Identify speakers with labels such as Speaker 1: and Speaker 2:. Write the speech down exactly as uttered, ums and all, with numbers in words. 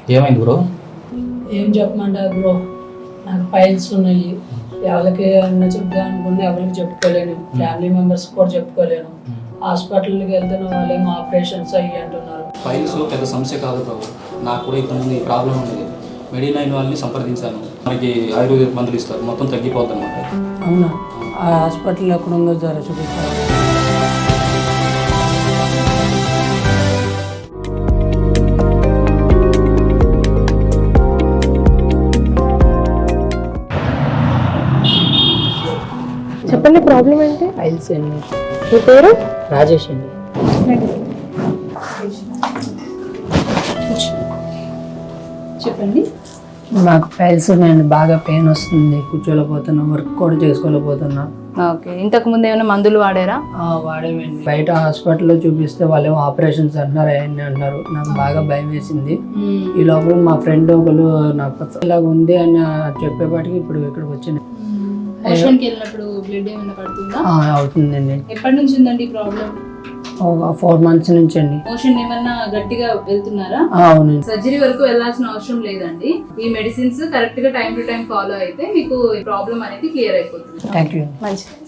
Speaker 1: ఏమైంది బ్రో?
Speaker 2: ఏం చెప్పమంటారు బ్రో, నాకు ఫైల్స్ ఉన్నాయి. ఎవరికి అన్న చెప్తా అనుకున్నా ఎవరికి చెప్పుకోలేను, ఫ్యామిలీ మెంబర్స్ కూడా చెప్పుకోలేను. హాస్పిటల్కి వెళ్తున్న వాళ్ళేమో ఆపరేషన్స్ అయ్యి అంటున్నారు.
Speaker 1: ఫైల్స్ పెద్ద సమస్య కాదు బ్రో, నాకు కూడా ఇంతకుముందు ఈ ప్రాబ్లం ఉండేది. మెడినైన్ వాళ్ళని సంప్రదించాను, మనకి ఆయుర్వేదిక్ మందులు ఇస్తారు, మొత్తం తగ్గిపోద్ది అనమాట.
Speaker 2: అవునా? ఆ హాస్పిటల్ ఎక్కడ ఉందో జర చూపిస్తారు.
Speaker 3: చెప్పండి, ప్రాబ్లం ఏంటి?
Speaker 2: ఫైల్స్ అండి.
Speaker 3: మీ పేరు?
Speaker 2: రాజేష్ అండి.
Speaker 3: చెప్పండి.
Speaker 2: నాకు ఫైల్స్ ఉన్నాయండి, బాగా పెయిన్ వస్తుంది, కూర్చోలేకపోతున్నా, వర్క్ కూడా చేసుకోలేకపోతున్నా.
Speaker 3: ఓకే, ఇంతకు ముందు ఏమైనా మందులు వాడారా?
Speaker 2: వాడేమండి, బయట హాస్పిటల్లో చూపిస్తే వాళ్ళేమో ఆపరేషన్స్ అంటున్నారు, అవన్నీ అంటున్నారు. నాకు బాగా భయం వేసింది. ఈ లోపల మా ఫ్రెండ్ ఒకరు నాకు ఇలాగ ఉంది అని చెప్పేపాటికి ఇప్పుడు ఇక్కడికి వచ్చింది.
Speaker 3: మోషన్కి వెళ్ళినప్పుడు బ్లడ్ ఏమైనా పడుతుందా?
Speaker 2: అవుతుందండి.
Speaker 3: ఎప్పటి నుంచి ఉందండి ఈ ప్రాబ్లం?
Speaker 2: ఒక ఫోర్ మంత్స్ నుంచి అండి.
Speaker 3: మోషన్ ఏమన్నా గట్టిగా వెళ్తున్నారా?
Speaker 2: అవునండి.
Speaker 3: సర్జరీ వరకు వెళ్ళాల్సిన అవసరం లేదండి. ఈ మెడిసిన్స్ కరెక్ట్ గా టైం టు టైం ఫాలో అయితే మీకు ప్రాబ్లం అనేది క్లియర్ అయిపోతుంది.
Speaker 2: Thank you.
Speaker 3: మంచిది.